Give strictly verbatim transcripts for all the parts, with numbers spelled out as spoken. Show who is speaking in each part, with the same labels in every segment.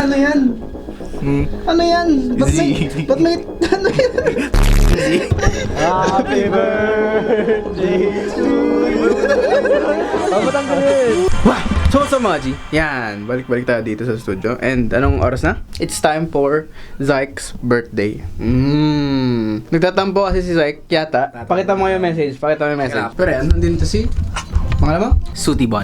Speaker 1: ano yan?
Speaker 2: Hmm.
Speaker 1: Ano yan? Ba't may... Ba't may... Ano yan?
Speaker 3: Happy birthday to you.
Speaker 1: Dapat ang galit. Wah! So, so mga G, yan, balik-balik tayo dito sa studio. And anong oras na? It's time for Zyke's birthday. Mmm. Nagtatampo kasi si Zyke, yata. Pakita mo yung message, pakita mo yung message. Pero yan, nandito si... Pangalan mo?
Speaker 2: Sutibon.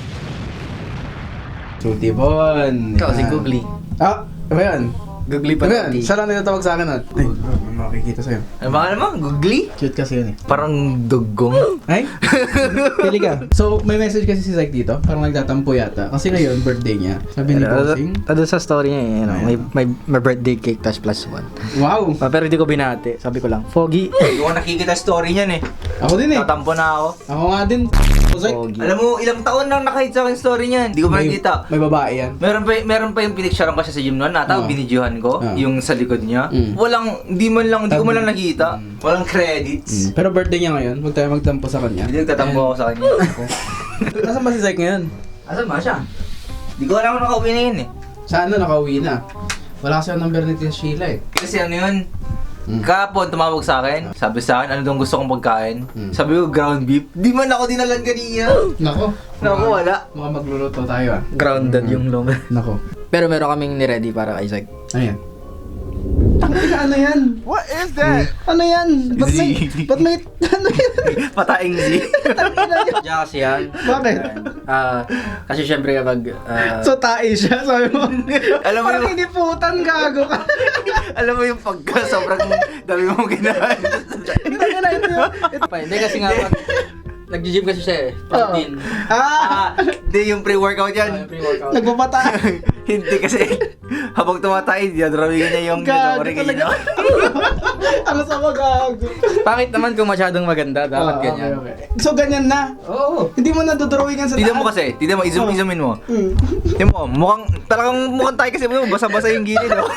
Speaker 1: Sutibon.
Speaker 2: Ikaw si Googly.
Speaker 1: Ah, ano yan?
Speaker 2: Googly
Speaker 1: Ano yan?
Speaker 2: Patati.
Speaker 1: Siya lang nagtatawag sa akin nun. Ay, may makikita sa'yo.
Speaker 2: Ano ba naman? Googly?
Speaker 1: Cute kasi yun eh.
Speaker 2: Parang dugong.
Speaker 1: Ay? Pili ka. So, may message kasi si Zyke dito. Parang nagtatampo yata. Kasi ngayon, birthday niya. Sabi ni Bossing.
Speaker 3: Tado sa story niya eh, you know, may, may, may birthday cake tas plus one.
Speaker 1: Wow!
Speaker 3: Ah, pero hindi ko binati. Sabi ko lang, Foggy.
Speaker 2: Hindi ko nakikita story niyan eh.
Speaker 1: Ako din eh.
Speaker 2: Tatampo na ako.
Speaker 1: Ako nga din. Zyke.
Speaker 3: Foggy.
Speaker 2: Alam mo, ilang taon nang nakahit sa akin story niyan. Hindi ko
Speaker 1: May,
Speaker 2: makikita.
Speaker 1: may babae yan.
Speaker 2: Meron pa, meron pa yung pinicturean ko siya sa gym noon, nata,
Speaker 1: Oo.
Speaker 2: binidyohan ko,
Speaker 1: Oo.
Speaker 2: yung sa likod niya.
Speaker 1: Mm.
Speaker 2: Walang, hindi man lang, hindi ko man lang nakita.
Speaker 1: Mm.
Speaker 2: Walang credits.
Speaker 1: Pero birthday niya ngayon. Huwag tayo magtampo sa kanya.
Speaker 2: Hindi nagtatampo ako sa kanya.
Speaker 1: Nasaan ba si Zyke ngayon?
Speaker 2: Asan ba siya? Hindi ko alam kung nakauwi na yun eh.
Speaker 1: Sa ano, nakauwi na. Wala kasi ang number ni Tia Sheila eh.
Speaker 2: Kasi ano yun,
Speaker 1: Mm.
Speaker 2: kahapon tumawag sa akin, sabi sa akin, ano daw gusto kong pagkain?
Speaker 1: Mm.
Speaker 2: Sabi ko, ground beef. Di man ako dinalan kanina.
Speaker 1: Nako.
Speaker 2: Naku, wala.
Speaker 1: Mga magluluto tayo ah.
Speaker 3: Grounded yung long.
Speaker 1: Nako.
Speaker 3: Pero meron kaming ni-ready para kay Isaac.
Speaker 1: Ayan. Tangina, ano yan?
Speaker 3: What is that?
Speaker 1: Ano yan? Ba't may... Ba't may... Ano yan?
Speaker 2: Pataing Z.
Speaker 1: Tangina yun.
Speaker 3: Diyan kasi yan.
Speaker 1: Bakit?
Speaker 3: Ah, kasi syempre kapag... ah,
Speaker 1: So, tae siya, sabi mo.
Speaker 2: Alam mo
Speaker 1: Parang
Speaker 2: yung-
Speaker 1: iniputan, gago ka.
Speaker 2: Alam mo yung pagka sobrang dami mong ginawa.
Speaker 1: Tangina, ito yun. Ito.
Speaker 3: pa, hindi kasi nga pag... Nag-gym kasi siya eh.
Speaker 1: Oo.
Speaker 3: Protein.
Speaker 1: Ah!
Speaker 2: Ah, di yung pre-workout
Speaker 3: Ah,
Speaker 2: yan.
Speaker 3: yung pre-workout.
Speaker 1: Nagpapata.
Speaker 2: Hindi kasi habang tumatay, dinadrawigan niya yung
Speaker 1: Gago
Speaker 2: ginawari
Speaker 1: talaga.
Speaker 2: kanina.
Speaker 1: Ano sa mga gago?
Speaker 3: Pangit naman kung masyadong maganda. Dapat
Speaker 1: Ah,
Speaker 3: ganyan.
Speaker 1: okay, okay. So, ganyan na.
Speaker 3: Oo.
Speaker 1: Hindi mo nadodrawingan sa
Speaker 2: Tignan mo kasi, tignan mo,
Speaker 1: Oh.
Speaker 2: i-zoom, i-zoomin mo.
Speaker 1: Hmm.
Speaker 2: Tignan mo, mukhang, talagang mukhang tayo kasi mo, basa-basa yung gilid, no?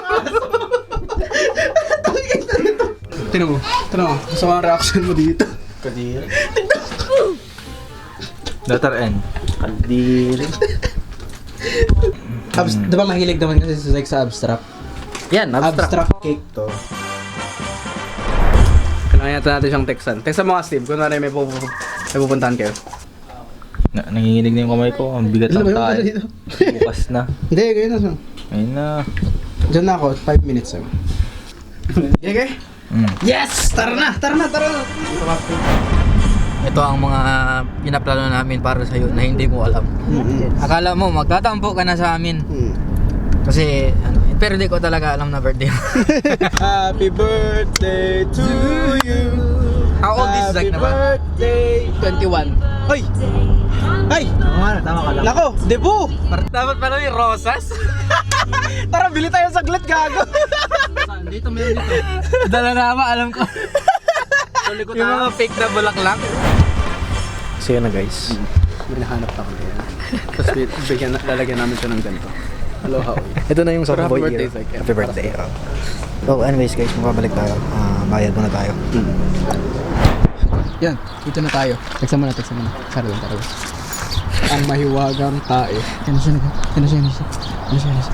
Speaker 1: Tinan mo. Tinan mo. Gusto mo ang reaction mo dito.
Speaker 3: Kadiri.
Speaker 2: Letter N.
Speaker 3: Kadiri.
Speaker 1: Abs
Speaker 3: Hmm.
Speaker 1: diba mahilig naman kasi si Zyke sa abstract?
Speaker 3: Yan, abstract.
Speaker 1: Abstract cake to. Kailangan yata natin siyang textan. Textan mo nga, Steve. Kung ano may, pupu may pupuntahan kayo.
Speaker 2: Na, nanginginig na yung kamay ko, ang bigat
Speaker 1: Ano ba
Speaker 2: ng
Speaker 1: yung
Speaker 2: tayo.
Speaker 1: ano dito?
Speaker 2: Bukas na.
Speaker 1: Hindi, ganyan na siya.
Speaker 2: Ayun na.
Speaker 1: Diyan na ako. five minutes lang. Okay, okay?
Speaker 2: Mm.
Speaker 1: Yes! Tara na! Tara na! Tara na!
Speaker 3: Ito ang mga pinaplano namin para sa iyo na hindi mo alam.
Speaker 1: Mm-hmm.
Speaker 3: Akala mo magtatampo ka na sa amin.
Speaker 1: Mm.
Speaker 3: Kasi ano, pero di ko talaga alam na birthday mo.
Speaker 1: Happy birthday to you.
Speaker 3: How old is Zyke na ba?
Speaker 1: Happy birthday! twenty-one. Ay! Ay!
Speaker 3: Tama na, tama ka lang.
Speaker 1: Nako! Debut!
Speaker 3: Dapat pala yung rosas.
Speaker 1: Tara, bili tayo saglit, gago!
Speaker 3: Dito meron dito. Dala na ba, alam ko. Yung mga fake na bulaklak.
Speaker 1: So yun na guys. May nahanap ako na yan. Tapos bigyan, lalagyan namin siya ng ganito. Hello, how are you?
Speaker 3: Ito na yung
Speaker 1: Pero
Speaker 3: soft
Speaker 1: happy
Speaker 3: boy
Speaker 1: birthday,
Speaker 3: era.
Speaker 1: Zyke.
Speaker 3: Happy birthday. Oh, anyways guys, mababalik tayo. Ah, bayad muna tayo.
Speaker 1: Yan, dito na tayo. Teksan mo na, teksan mo na. Tara lang, tara lang. Ang mahiwagang tae. Yan na siya, yan na siya, yan na siya. Yan na siya, yan na siya.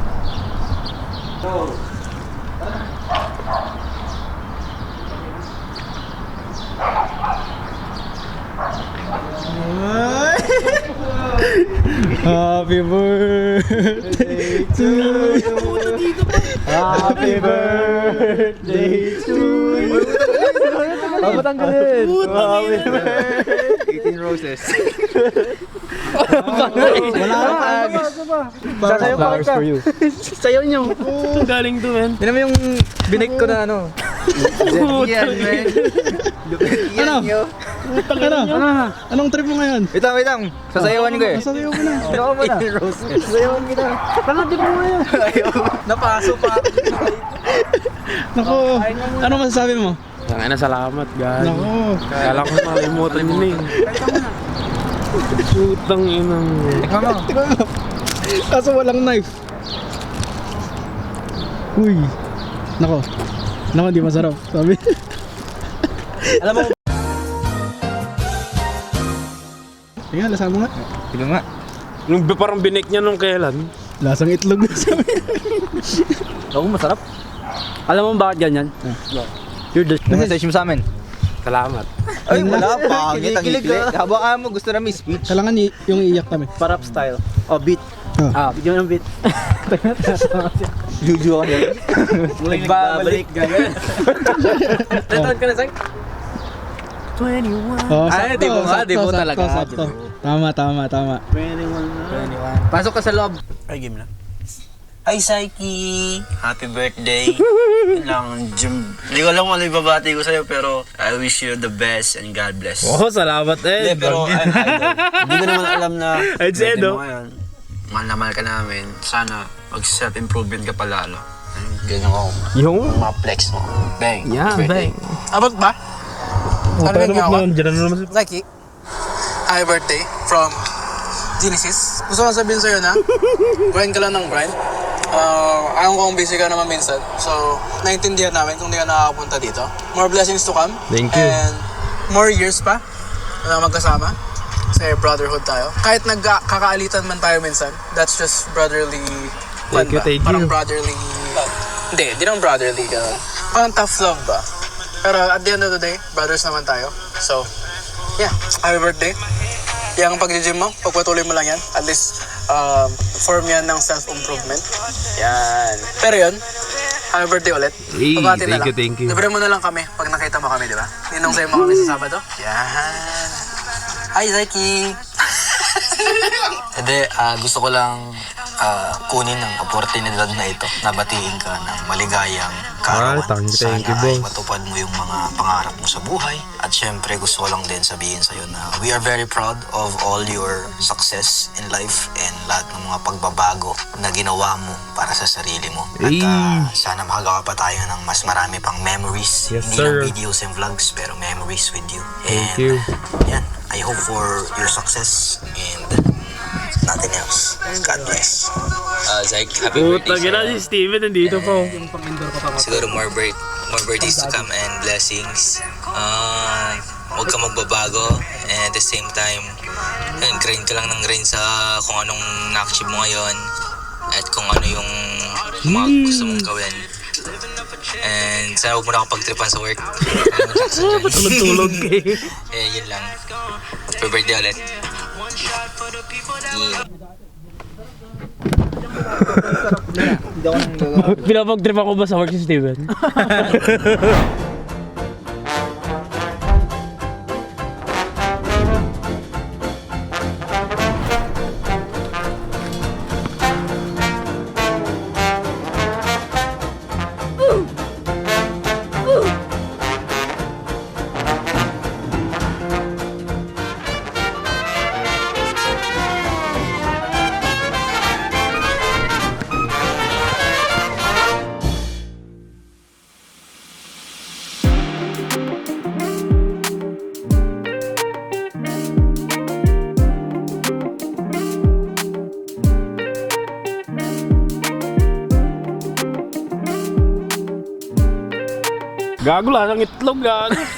Speaker 1: Happy birthday to you. Happy birthday to you.
Speaker 3: Dapat ang galit.
Speaker 1: Happy birthday.
Speaker 2: eighteen roses.
Speaker 1: Wala na pa.
Speaker 3: Sasayaw pa
Speaker 1: Flowers
Speaker 3: kita.
Speaker 1: for you.
Speaker 3: Sayaw niyo. Galing to, man. Tignan mo yung binig ko na ano.
Speaker 2: Yan, man.
Speaker 1: Ano? Ano? Ano? Anong trip mo ngayon?
Speaker 2: Wait lang, wait lang. Sasayawan ko eh.
Speaker 1: Sasayaw mo na.
Speaker 2: Ano ka muna?
Speaker 3: eighteen roses. Sayawan kita. Tanong din mo ngayon.
Speaker 2: Ayaw.
Speaker 3: Napaso pa.
Speaker 1: Naku, ano masasabi mo?
Speaker 4: Tangay na, salamat, guys.
Speaker 1: Naku.
Speaker 4: Kala ko malimutan yun eh. Putang inang.
Speaker 2: Tikman mo.
Speaker 1: Kaso walang knife. Uy. Nako. Nako, di masarap. Sabi.
Speaker 2: Alam mo,
Speaker 1: Tingnan, lasa mo nga.
Speaker 2: tignan nga.
Speaker 4: Nung parang binik niya nung kailan.
Speaker 1: Lasang itlog na sabi.
Speaker 3: Ako masarap. Alam mo bakit ganyan? You're the...
Speaker 2: Message mo sa amin.
Speaker 4: Salamat.
Speaker 2: Ay, wala. Pangit ang
Speaker 3: Kinikilig
Speaker 2: ikli.
Speaker 3: ka.
Speaker 2: Habang mo gusto na may speech.
Speaker 1: Kailangan i- yung iiyak kami.
Speaker 3: Parap style. Oh, beat.
Speaker 1: Oh.
Speaker 3: Ah, bigyan mo ng beat.
Speaker 2: Juju ka din.
Speaker 3: Nagbabalik. Ganyan. Tatan ka na, Zach?
Speaker 1: Oh,
Speaker 3: Ay, di mo nga, di mo talaga.
Speaker 1: Sakto. Tama, tama, tama.
Speaker 3: twenty-one na. twenty-one. Pasok ka sa loob.
Speaker 2: Ay, game na. Hi, Psyche! Happy birthday! Yun lang, Jim. Hindi ko alam kung ano ibabati ko sa'yo, pero I wish you the best and God bless.
Speaker 4: Oh, salamat
Speaker 2: Hindi,
Speaker 4: eh.
Speaker 2: pero I'm idol. Hindi ko naman alam na
Speaker 4: Ay, si
Speaker 2: birthday
Speaker 4: Edo.
Speaker 2: mo ngayon. Mahal na mahal ka namin. Sana mag-self-improvement ka palalo. Ganyan ko.
Speaker 4: Yung?
Speaker 2: Mga flex mo. Bang.
Speaker 3: Yeah,
Speaker 2: birthday.
Speaker 3: bang.
Speaker 5: Abot ba?
Speaker 4: Oh, pero ba't naman dyan na naman si...
Speaker 5: Nike, happy birthday from Genesis. Gusto ko sabihin sa'yo na, grind ka lang ng grind. Uh, alam ko kung busy ka naman minsan. So, naintindihan namin kung di ka nakakapunta dito. More blessings to come.
Speaker 4: Thank you.
Speaker 5: And more years pa na magkasama. Kasi brotherhood tayo. Kahit nagkakaalitan man tayo minsan, that's just brotherly fun
Speaker 4: Thank you,
Speaker 5: ba?
Speaker 4: thank
Speaker 5: Parang
Speaker 4: you.
Speaker 5: brotherly... Hindi, di naman brotherly ka. Parang tough love ba? Pero at the end of the day, brothers naman tayo. So, yeah, happy birthday. Yung pag-gym mo, pagpatuloy mo lang yan. At least, um, form yan ng self-improvement. Yan. Pero yun, happy birthday ulit.
Speaker 4: Hey,
Speaker 5: Pabati na
Speaker 4: thank you,
Speaker 5: lang.
Speaker 4: thank you.
Speaker 5: Libre mo na lang kami pag nakita mo kami, di ba? Ninong sa'yo mo kami sa Sabado. Yan.
Speaker 2: Hi, Zaki! Hindi, ah, gusto ko lang ah, kunin ang oportunidad na ito na batiin ka ng maligayang kaarawan.
Speaker 4: Ah, thank you, thank you,
Speaker 2: Sana ay
Speaker 4: boss.
Speaker 2: matupad mo yung mga pangarap mo sa buhay. At syempre, gusto ko lang din sabihin sa'yo na we are very proud of all your success in life and lahat ng mga pagbabago na ginawa mo para sa sarili mo. At
Speaker 4: Hey.
Speaker 2: ah, sana makagawa pa tayo ng mas marami pang memories.
Speaker 4: Yes,
Speaker 2: Hindi
Speaker 4: sir.
Speaker 2: lang videos and vlogs, pero memories with you.
Speaker 4: Thank
Speaker 2: and,
Speaker 4: you.
Speaker 2: Yan, I hope for your success and nothing else. God bless. Uh, Zyke, happy
Speaker 4: Puta,
Speaker 2: birthday.
Speaker 4: gina si Steven nandito po.
Speaker 2: Siguro more, birth, more birthdays to come and blessings. Uh, huwag ka magbabago and at the same time, yun, grind ka lang ng grind sa kung anong na-achieve mo ngayon at kung ano yung mga gusto mong gawin. And sana huwag mo na akong pagtripan sa work.
Speaker 4: Tulog-tulog eh.
Speaker 2: Eh, yun lang. Happy birthday ulit. Yeah.
Speaker 4: Pinapag-trip ako ba sa work si Steven? Gago lang ang itlog, gago.